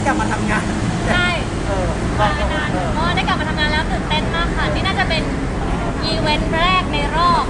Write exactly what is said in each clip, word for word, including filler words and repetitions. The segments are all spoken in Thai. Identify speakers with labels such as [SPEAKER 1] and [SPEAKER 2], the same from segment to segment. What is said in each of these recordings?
[SPEAKER 1] กลับมาทำงาน
[SPEAKER 2] ใช่
[SPEAKER 1] เออ
[SPEAKER 2] มานานเพราะได้กลับมาทำงานแล้วตื่นเต้นมากค่ะนี่น่าจะเป็นอีเวนต์แรกในรอบ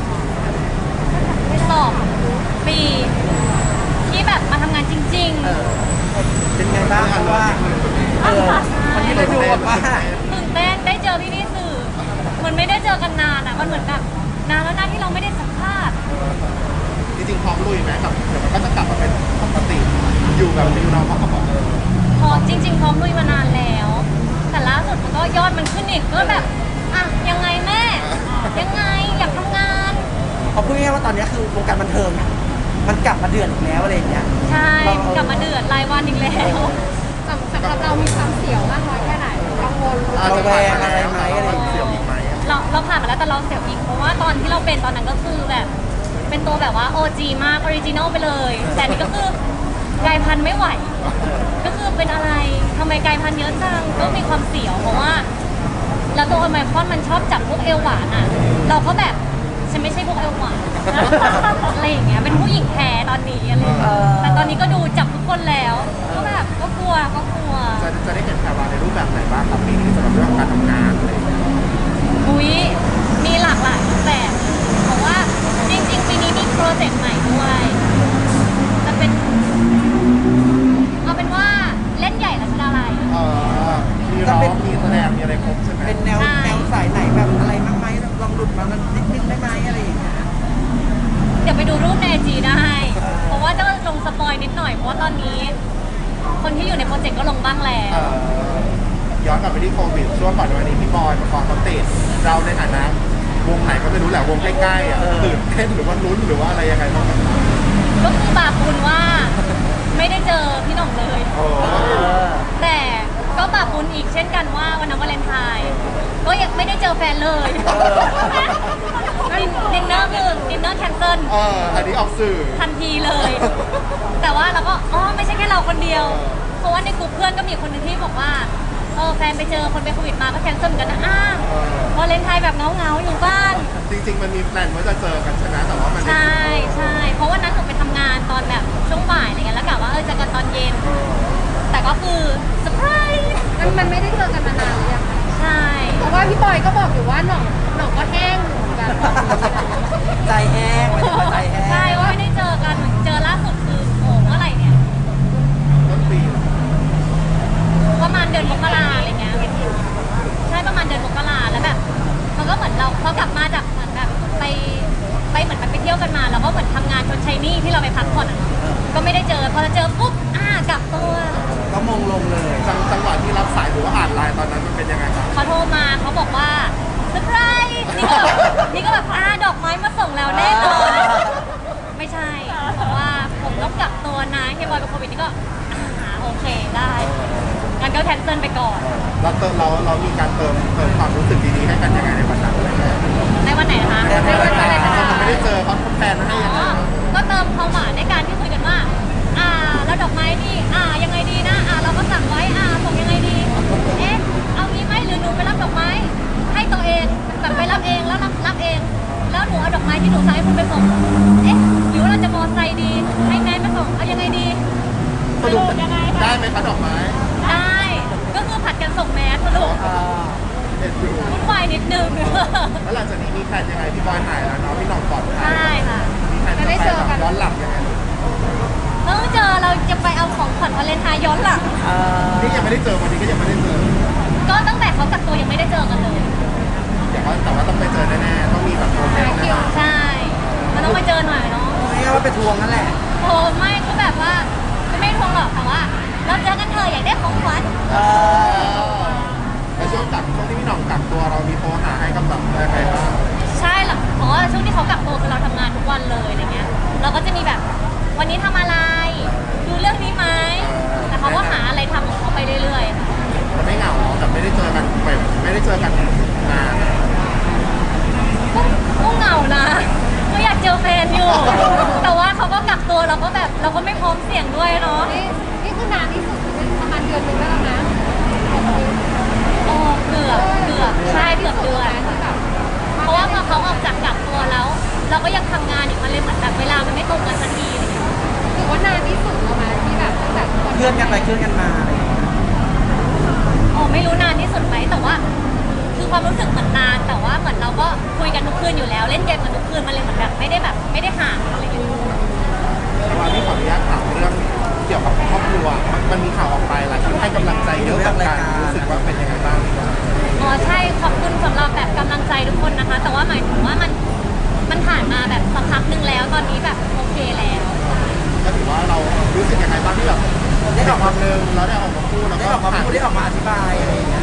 [SPEAKER 2] สองปีที่แบบมาทำงานจริง
[SPEAKER 1] เออเป็นไงบ้างเพราะว่าเออวันนี้เราดูแบบว่า
[SPEAKER 2] ๆตื่นเต้นได้เจอพี่ๆสื่อเหมือนไม่ได้เจอกันนานอ่ะมันเหมือนแบบนานแล้วนะที่เราไม่ได้สัมภาษณ์
[SPEAKER 3] จริงๆพร้อมลุยไหมกับเดี๋ยวมันก็จะกลับมาเป็นปกติอยู่แบบนิวเราเขาก็บอกเออ
[SPEAKER 2] พอจริงๆพร้อมลุยมานานแล้ว แต่ล่าสุดมันก็ยอดมันขึ้นอีกก็แบบอ่ะยังไงแม่ยังไงอยากทำงาน
[SPEAKER 1] เขาพูดง่ายๆว่าตอนนี้คือวงการบันเทิงมันกลับมาเดือดอีกแล้วอะไรอย่างเงี้ย
[SPEAKER 2] ใช่กลับมาเดือดรายวันอีกแล้ว
[SPEAKER 4] สำหรับเรามีความเสียวมากน้อยแค่ไหนกังวล
[SPEAKER 1] ระแวงอะไรไหมอะไร
[SPEAKER 3] เสียวอีกไหม
[SPEAKER 2] เราเราผ่านมาแล้วแต่เราเสียวอีกเพราะว่าตอนที่เราเป็นตอนนั้นก็คือแบบเป็นตัวแบบว่า โอ จี มากออริจินอลไปเลยแต่นี่ก็คือกลายพันธุ์ไม่ไหวก็คือเป็นอะไรทำไมกลายพันธุ์เยอะจังก็มีความเสียวเพราะว่าแล้วตัวโอไมครอนมันชอบจับพวกเอวหวานอ่ะเราก็แบบฉันไม่ใช่พวกเอวหวานอะไรอย่างเงี้ยเป็นผู้หญิงแท้ตอนนี้อะไรแต่ตอนนี้ก็ดูจับทุกคนแล้วก็แบบก็กลัวก็กลัว
[SPEAKER 3] จะจะได้เห็นแพรวาในรูปแบบไหนบ้างครับปีนี้สำหรับเรื่องของการทำงานอะไรอย่างเงี้ย
[SPEAKER 2] อุ้ยมีหลากหลายแบบเพราะว่าจริงๆปีนี้มีโปรเจกต์ใหม่ด้วยจะเป็นเอาเป็นว่าเล่นใหญ่รัชดาลัย
[SPEAKER 3] เออมีร้องมีแสดงมีอะไรครบใช่ไหม
[SPEAKER 1] เป็นแนวแนวสายไหนแบบอะไรบ้างไหมลองหลุดมานิดนึงได้ไหมอะไรอย่างเงี้ย
[SPEAKER 2] เดี๋ยวไปดูรูปในไอจีได้เพราะว่าจะลงสปอยนิดหน่อยเพราะว่าตอนนี้ คนที่อยู่ในโปรเจกต์ก็ลงบ้างแล้ว
[SPEAKER 3] ย้อนกลับไปที่โควิดช่วงก่อนวันนี้พี่บอยมาคอนเขาติดเราในฐานะวงไหนก็ไม่รู้แหละวงใกล้ๆอ่ะตื่นเต้นหรือว่าลุ้นหรือว่าอะไรยังไงบ้าง
[SPEAKER 2] ก็คือบาปบุญว่าไม่ได้เจอพี่หน่องเลยแต่ก็บาปบุญอีกเช่นกันว่าวันนั้นวาเลนไทน์ก็ยังไม่ได้เจอแฟนเลยดินเนอร์คือดินเนอร์แคนเซิล
[SPEAKER 3] เอออันนี้ออกสื่อ
[SPEAKER 2] ทันทีเลยแต่ว่าเราก็อ๋อไม่ใช่แค่เราคนเดียวเพราะว่าในกลุ่มเพื่อนก็มีคนหนึ่งที่บอกว่าเออแฟนไปเจอคนเป็นโควิดมาก็แคนเซิลกันนะอ้าวาเลนไทน์แบบเงาๆอยู่บ้าน
[SPEAKER 3] จริงๆมันมีแพลนว่าจะเจอกันใช่ไหมแต่ว่ามัน
[SPEAKER 2] ใช่ใช่เพราะว่านั้นหนูไปทำงานตอนแบบช่วงบ่ายอะไรเงี้ยแล้วกะว่าเออเจอกันตอนเย็นแต่ก็คือเซอร์ไพรส์
[SPEAKER 4] มันมันไม่ได้เจอกันมานานเลยอะ
[SPEAKER 2] ใช่
[SPEAKER 4] เพราะว่าพี่บอยก็บอกอยู่ว่าหน่องหน่องก็แห้งเหมือนกัน
[SPEAKER 1] ใจแห้งใจแห้ง
[SPEAKER 2] ใช่ว่าไม่ได้เจอกันเจอล่าสุดคือโอ้เมื่อไหร่เนี่ย
[SPEAKER 3] ต้นปี
[SPEAKER 2] ประมาณเดือนมกราอะไรเงี้ยใช่ประมาณเดือนมกราแล้วแบบมันก็เหมือนเราเขากลับมาจากเหมือนแบบไปไปเหมือนไปเที่ยวกันมาแล้วก็เหมือนทำงานชนชัยนี่ที่เราไปพักผ่อนก็ไม่ได้เจอพอจะเจอปุ๊บอ่ากลับตัว
[SPEAKER 1] ก็มงลงเลย
[SPEAKER 3] จังหวะที่รับสายหรือว่าอ่านไลน์ตอนนั้นมันเป็นยังไงครับ
[SPEAKER 2] เขาโทรมาเขาบอกว่าเซอร์ไพรส์นี่ก็แบบนี่ก็แบบอ่าดอกไม้มาส่งแล้วแน่นอนไม่ใช่บอกว่าผมต้องกลับตัวนะเฮียบอยเป็นโควิดนี่ก็อ่าโอเคได้งั้นก็แคนเซิลไปก่อน
[SPEAKER 3] เราเติมเราเรามีการเติมเติมความรู้สึกดีๆให้กันยังไงในวันนั้นอะไรเงี้ย
[SPEAKER 2] ในวันไหนคะ
[SPEAKER 3] ในวันไหนเขาไม่ได้เจอเขาแฟนให้ยังไง
[SPEAKER 2] ก็เติมความหวานในการที่คุยกันว่าอ่าแล้วดอกไม้นี่อ่ายังไงดีนะอ่าเราก็สั่งไว้อ่าส่งยังไงดีเอ๊ะเอางี้ไหมหรือหนูไปรับดอกไม้ให้ตัวเองแบบไปรับเองแล้วรับรับเองแล้วหนูเอาดอกไม้ที่หนูสั่งให้คุณไปส่งเอ๊ะหรือว่าเราจะมอไซค์ดีให้แม่ไปส่งเอายังไงดี
[SPEAKER 3] สรุปยังไงได้ไหมคะดอกไม้
[SPEAKER 2] ได้ก็คือผัดกันส่งแมสสรุปวุ่นวายนิดนึง
[SPEAKER 3] แล้วหลังจากนี้มีแผนยังไงพี่บอยหายแล้วเนาะพี่น้องปลอดภัย
[SPEAKER 2] ใช่ค่ะ
[SPEAKER 3] มีแผนจะไปแบบย้อนหลังยังไง
[SPEAKER 2] เออเจอเราจะไปเอาของขวัญวาเลนไทน์ย้อนหลัง
[SPEAKER 3] นี่ยังไม่ได้เจอวันนี้ก็ยังไม่ได้เจอ
[SPEAKER 2] ก็ตั้งแต่เขากักตัวยังไม่ได้เจอกันเลย
[SPEAKER 3] เดี๋ยวแต่ว่าต้องไปเจอแน่ๆต้องมีแบบโมเมนต์นะ
[SPEAKER 2] ใช่มันต้องไปเจอหน่อยเนาะ
[SPEAKER 1] ไม่งั้นว่าไปทวงนั่นแหละ
[SPEAKER 2] โอ้ไม่ก็แบบว่าไม่ทวงหรอกแต่ว่าเราเจอกันเถอะอยากได้ของขวัญ
[SPEAKER 3] ในช่วงกักช่วงที่พี่หน่องกักตัวเรามีโทรหาให้กำลังใจใครบ้าง
[SPEAKER 2] ใช่หรอเพราะว่าช่วงที่เขากักตัวคือเราทำงานทุกวันเลยอะไรเงี้ยเราก็จะมีแบบวันนี้ทำอะไรดูเรื่องนี้ไหมแต่เขาก็หาอะไรทำของเขาไปเรื่อย
[SPEAKER 3] ๆแต่ไม่เหงาแต่ไม่ได้เจอกันแบบไม่ได้เจอกันนาน
[SPEAKER 2] ก็เหงานะก็อยากเจอแฟนอยู่แต่ว่าเขาก็กักตัวเราก็แบบเราก็ไม่พร้อมเสี่ยงด้วยเนาะ
[SPEAKER 4] นี่นี่คือนานที่สุดประมาณเดือนนึงแล้วนะ
[SPEAKER 2] โอ้เกือบเกือบใช่เกือบเดือนเพราะว่าพอเขาออกจากกักตัวแล้วเราก็ยังทำงานอีกมันเลยเหมือนแบบเวลามันไม่ตรงกันสักที
[SPEAKER 4] ถือว่านานที่สุดแล้วไหมที่แบบแบบ
[SPEAKER 1] เคลื่อนกันไปเคลื่อนกันมาอะไรอย่างเงี้ย
[SPEAKER 2] ความรู้สึกเหมือนนานแต่ว่าเหมือนเราก็คุยกันทุกคืนอยู่แล้วเล่นเกมกันทุกคืนมันเลยเหมือนแบบไม่ได้แบบไม่ได้ห่างอะไรอย่างเงี้ย
[SPEAKER 3] แต่ว่าพี่ขออนุญาตถามเรื่องเกี่ยวกับครอบครัวมันมันมีข่าวออกไปหลายคนให้กำลังใจเยอะกับการรู้สึกว่าเป็นยังไงบ้างดีกว่า
[SPEAKER 2] อ๋อใช่ขอบคุณสำหรับแบบกำลังใจทุกคนนะคะ แต่ว่าหมายถึงว่ามันมันผ่านมาแบบสักพักหนึ่งแล้วตอนนี้แบบโอเคแล้ว
[SPEAKER 3] ก็ถือว่าเรารู้สึกยังไงบ้างที่แบบได้ออกมาหนึ่งแล้วได้ออกมาพูดแล้ว
[SPEAKER 1] ได้
[SPEAKER 3] ก็
[SPEAKER 1] ออกมาพูดได้ออกมาอธิบายอะไรอย่างเงี้ย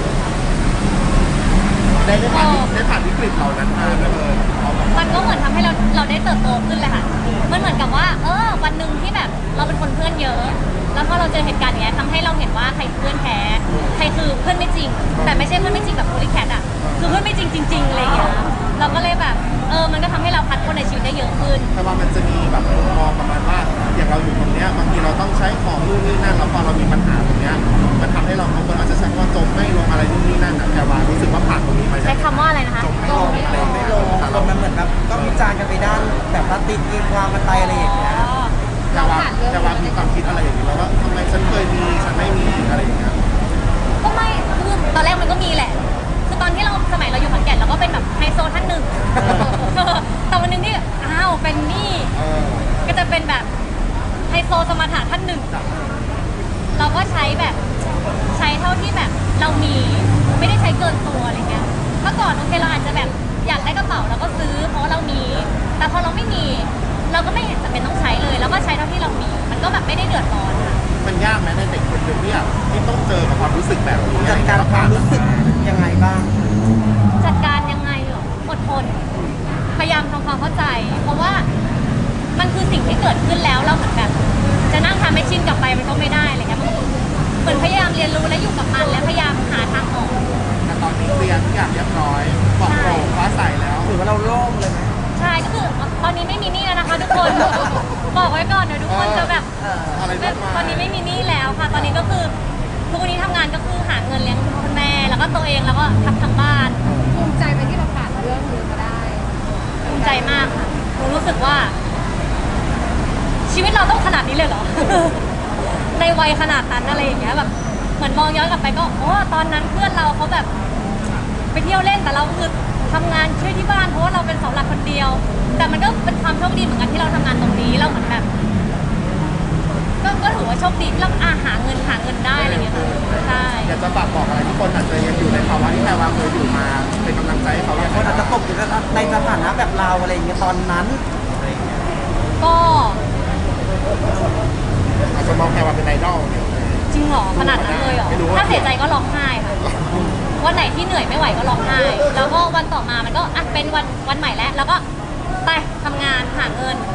[SPEAKER 3] ได้ได้ผ่านได้ผ่านวิกฤตเหล่านั้นมาไม่เลยเอาแบบ
[SPEAKER 2] มันก็เหมือนทำให้เราเราได้เติบโตขึ้นเลยค่ะ มันเหมือนกับว่า เออ วันหนึ่งที่แบบเราเป็นคนเพื่อนเยอะ แล้วพอเราเจอเหตุการณ์อย่างเงี้ยทำให้เราเห็นว่าใครคือเพื่อนแท้ ใครคือเพื่อนไม่จริง แต่ไม่ใช่เพื่อนไม่จริงแบบโพลิแคทอ่ะ คือเพื่อนไม่จริงจริงๆอะไรอย่างเงี้ย เราก็เลยแบบ เออ มันก็ทำให้เราพัดคนในชีวิตได้เยอะขึ้น
[SPEAKER 3] แต่ว่ามันจะมีแบบมุมมองประมาณว่าอย่างเราอยู่ตรงเนี้ยบางทีเราต้องใช้ของนู่นนี่นั่นแล้วพอเรามีปัญหาตรงเนี้ยมันทำให้เราบางคนอาจจะใช้คำว่าจมไม่ลงอะไรนู่นนี่นั่นนะแต่ว่ารู้สึกว่าผ่านตรงนี้มา
[SPEAKER 2] ใช้คำว่าอะไรนะคะ
[SPEAKER 3] จมไม่ลงอะไร
[SPEAKER 1] ไม่ลงลงมันเหมือนแบบก็วิจารณ์กันไปด้านแบบว่าตีตีความกันไปอะไรอย่างเงี้ย
[SPEAKER 3] แต่ว่าแต่ว่ามีความคิดอะไรอย่างนี้แล้วว่าทำไมฉันเคยมีฉันไม่มีอะไรอย่างเงี้ย
[SPEAKER 2] ก็ไม่คือตอนแรกมันก็มีแหละ คือตอนที่เราสมัยเราอยู่ขอนแก่นเราก็เป็นแบบไฮโซท่านหนึ่ง แต่วันหนึงที่อ้าวเป็นหนี่
[SPEAKER 3] เออ
[SPEAKER 2] ก็จะเป็นแบบไฮโซสมถะท่านหนึ่ง เราก็ใช้แบบใช้เท่าที่แบบเรามีไม่ได้ใช้เกินตัวอะไรเงี้ยเมื่อก่อนโอเคเราอาจจะแบบอยากได้กระเป๋าเราก็ซื้อเพราะว่าเรามี แต่พอเราไม่มี เราก็ไม่เห็นจะเป็นต้องใช้เลย แล้วก็ใช้เท่าที่เรามี มันก็แบบไม่ได้เดือดร้อนค่ะ
[SPEAKER 3] มันยากไหมในเด็กคนหนึ่งที่แบบที่ต้องเจอกับความรู้สึกแบบนี้
[SPEAKER 1] จัดการความรู้สึกยังไงบ้าง
[SPEAKER 2] จัดการยังไงเหรออดทน พยายามทำความเข้าใจ เพราะว่ามันคือสิ่งที่เกิดขึ้นแล้วเราเหมือนแบบจะนั่งทำให้ชินกลับไปมันก็ไม่ได้อะไรเงี้ยมันเหมือนพยายามเรียนรู้และอยู่กับมันและพยายามหาทางออก
[SPEAKER 3] แต่ตอนนี้เคลียร์ทุกอย่างเรียบร้อยปลอดโปร่งฟ้าใสแล้ว
[SPEAKER 1] ถือว่าเราโล่งเลยไหม
[SPEAKER 2] ใช่ก็คือตอนนี้ไม่มีหนี้แล้วนะคะทุกคน บอกไว้ก่อนเดี๋ยวทุกคนจะแบบ
[SPEAKER 1] เออ
[SPEAKER 3] อะไร
[SPEAKER 2] ไม่
[SPEAKER 3] มากมาย
[SPEAKER 2] ตอนนี้ไม่มีหนี้แล้วค่ะ ตอนนี้ก็คือทุกวันนี้ทำงานก็คือหาเงินเลี้ยงคุณแม่ แล้วก็ตัวเองแล้วก็ทำทั้งบ้าน
[SPEAKER 4] ภูมิใจไปที่เราผ่านเรื่องนี้มาได้
[SPEAKER 2] ภูมิใจมากค่ะหนูรู้สึกว่า ชีวิตเราต้องขนาดนี้เลยเหรอ ในวัยขนาดนั้นอะไรอย่างเงี้ยแบบเหมือนมองย้อนกลับไปก็โอ้ตอนนั้นเพื่อนเราเขาแบบ ไปเที่ยวเล่นแต่เราคือทำงานช่วยที่บ้านเพราะว่าเราเป็นเสาหลักคนเดียว แต่มันก็เป็นความโชคดีเหมือนกันที่เราทำงานตรงนี้เราเหมือนแบบ ก็ก็ถือว่าโชคดีที่เราอาหาเงินหาเงินได้อะไรอย่างเงี้ยค่ะใช่
[SPEAKER 3] อยากจะฝากบอกอะไรที่คนอาจจะยังอยู่ในภาวะที่แพรวาเคยอยู่มาเป็นกำลังใจให้เขาอย่าง
[SPEAKER 1] คน
[SPEAKER 3] ไร
[SPEAKER 1] อาจจะตกอยู่ในสถานะแบบเราอะไรอย่างเงี้ยตอนนั้นอะไรอย่างเงี้ย
[SPEAKER 2] ก็
[SPEAKER 3] อาจจะมองแพรวาเป็นไอดอลเนี่ย
[SPEAKER 2] จริงเหรอขนาดนั้นเลยเหรอ
[SPEAKER 3] ไม่รู้ว่า
[SPEAKER 2] ถ้าเสียใจก็ร้องไห้ค่ะวันไหนที่เหนื่อยไม่ไหวก็ร้องไห้ แล้วก็วันต่อมามันก็อ่ะเป็นวันวันใหม่แล้ว แล้วก็ไปทำงานหาเงิน